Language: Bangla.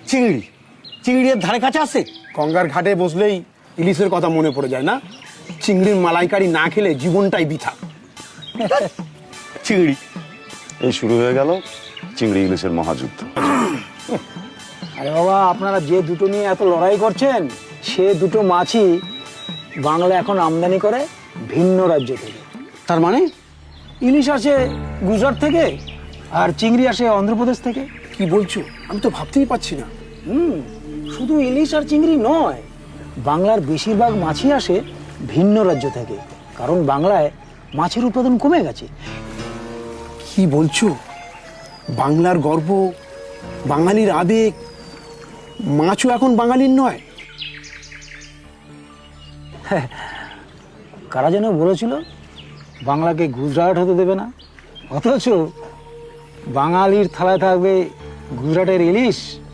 চিংড়ি চিংড়ির ধারে কাছে আছে? গঙ্গার ঘাটে বসলেই ইলিশের কথা মনে পড়ে যায় না? চিংড়ির মালাইকারি না খেলে জীবনটাই বৃথা। চিংড়ি এই শুরু হয়ে গেল চিংড়ি ইলিশের মহাযুদ্ধ। আরে বাবা, আপনারা যে দুটো নিয়ে এত লড়াই করছেন, সে দুটো মাছই বাংলা এখন আমদানি করে ভিন্ন রাজ্য থেকে। তার মানে ইলিশ আসে গুজরাট থেকে আর চিংড়ি আসে অন্ধ্রপ্রদেশ থেকে। কি বলছো? আমি তো ভাবতেই পারছি না। শুধু ইলিশ আর চিংড়ি নয়, বাংলার বেশিরভাগ মাছই আসে ভিন্ন রাজ্য থেকে, কারণ বাংলায় মাছের উৎপাদন কমে গেছে। কি বলছো? বাংলার গর্ব, বাঙালির আবেগ, মাছও এখন বাঙালির নয়? কারা যেন বলেছিল বাংলাকে গুজরাট হতে দেবে না, অথচ বাঙালির থালায় থাকবে গুজরাটের ইলিশ